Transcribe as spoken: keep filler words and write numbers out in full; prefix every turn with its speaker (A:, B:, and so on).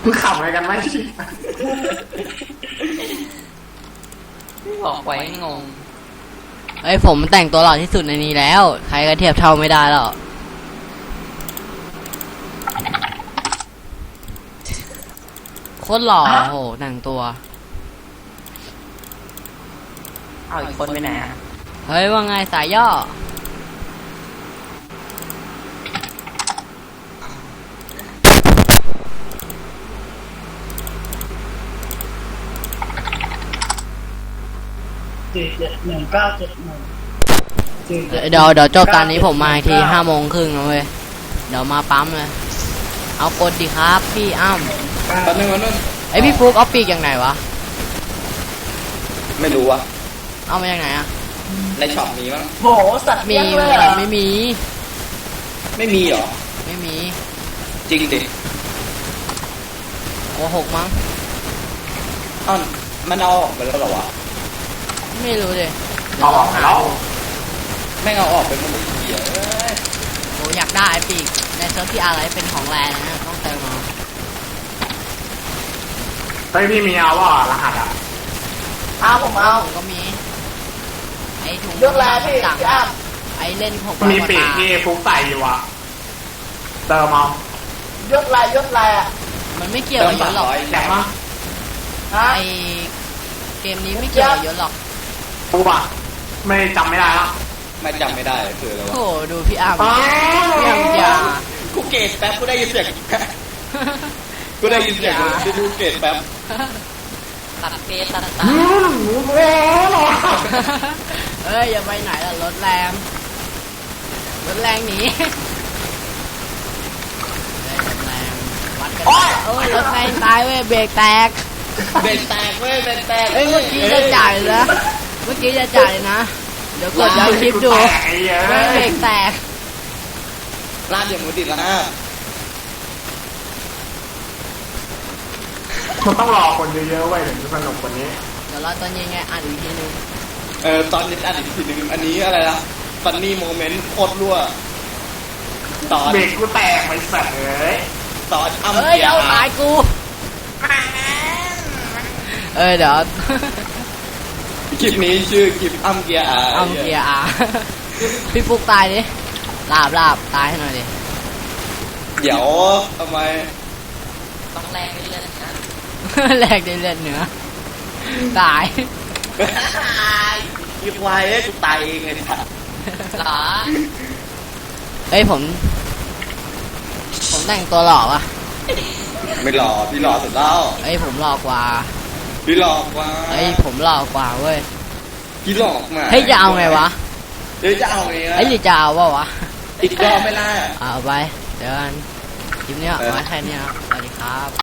A: มึงขำอะไรกันไหม
B: บอกไว้งง
C: เอ้ยผมแต่งตัวหล่อที่สุดในนี้แล้วใครก็เทียบเท่าไม่ได้แล้วโคตรหล่อโหแต่งตัว
B: เอาอีกคนไปไหนอ่ะ
C: เฮ้ยว่าไงสายย่อ
D: สี่เจ็ดหนึ่งเก้าเจ็ดหนึ่ง
C: เดี๋ยวเดี๋ยวจบตอนนี้ผมมาอีกทีห้าโมงครึ่งนะเว้ยเดี๋ยวมาปั๊มเลยเอากดดีครับพี่อ้ำ
E: ตอนนึงวันนึง
C: ไอพี่ฟุกเอาปีกอย่างไหนวะ
E: ไม่รู้วะ
C: เอามาจากไหนอะ
E: ในช็อปมีมั้ง
D: โหสัตว์
C: มี
D: เลี้ยงเลยเหรอ
C: ไม่มี
E: ไม่มีเหรอ
C: ไม่มี
E: จริงดิ
C: โกหกมั้ง
E: อ้าวมันเอาออกไปแล้วเหรอวะ
C: ไม่รู้เลย
A: เอาออกไปแล้ว
E: แม่งเอาออกไปหมดเลยเหี้ยเอ้ย
C: โหอยากได้ไอปีกในเซิร์ฟที่อะไรเป็นของแรงนะต้องเติมเอา
A: เฮ้ยพี่มีเอาว่ารหัสอ่ะ
D: เอาผมเอา
C: ผมก็มีไอถุง
D: ยกแรงพี่
C: จับ
D: พี่อ้ำ
C: ไอเล่นหก
A: มีปีกที่ฟุกใส่อยู่อ่ะเติมเอา
D: ยกลายยกลายอ่ะ
C: มันไม่เกี่ยวกับยศหรอก
A: แจกมั้ง
D: ฮะ
C: ไอเกมนี้ไม่เกี่ยวกับยศหรอก
A: ฟุกอ่ะไม่จำไม่ได้ละ
E: ไม่จำไม่ได้คืออะไรวะ
C: โหดูพี่อ้ำ
A: อ้า
C: พี่อ้ำอย่า
E: กูเกตแป๊บกูได้ยินเสียงกูได้ยินเสียงกูดูเกตแป๊บ
C: ตัดเกตตัดตา
A: อืมโอ้โห
C: เอ้ยอย่าไปไหนล่ะรถแรงรถแรงหนีเฮ้ยรถแรงวัดกันโอ้ยรถแรงตายเว้ยเบรกแตก
E: เบรกแตกเว้ยเบรกแตก
C: เอ้ยเมื่อกี้จะจ่ายเลยนะเมื่อกี้จะจ่ายเลยนะเดี๋ยวกดย้อนคลิปดู
A: แตกไอ้เหี้ย
C: เฮ้ยเบรกแตก
E: ลาดอย่างมือติดละ
A: มันต้องรอคนเยอะๆไว้ถึงจะสนุกกว่านี้
C: เดี๋ยวรอตอนเย็นไงอ่านอีกทีนึง
E: เออตอนนี้อันอีกทีหนึ่งอันนี้อะไรนะฟันนี่โมเมนต์โคตรรั่วตอน
A: เบรกกูแตกไปสัตว์เลย
E: ตอนอ้ำ
C: เอ้ย
E: เกีย
C: เอา
E: ร์
C: ตายกูเอ้ยเดี๋ยว
E: คลิปนี้ชื่อคลิปอ้ำเกียร์อา
C: เอาเกียร์อาพี่ฟุกตายดิลาบลาบตายให้หน่อยดิ
E: เดี๋ยวทำไม
B: ต้องแลกเรื่อยๆนะ
C: แลกได้เลือดเนื้อตาย
E: อีควายเอ้ยกูตายเองเลยค่ะ
B: หรอ
C: เอ้ยผม ผมแต่งตัวหล่อปะ
E: ไม่หลอกพี่หลอกสุดแล้ว
C: เอ้ยผมหล่อกว่า
E: พี่หลอกว่า
C: เอ้ยผมหล่อกว่าเว้ย
E: พี่หลอกมา
C: เฮ้ยจะเอาไงวะ
E: เฮ้ยจะเอาไงนะ
C: เอ้ยหรือจะเอาวะวะ
E: อีกรอบไม่ล่ะ
C: เอาไปเดี๋ยวกันคลิปนี้เอาไว้แค่นี้ครับสวัสดีครับ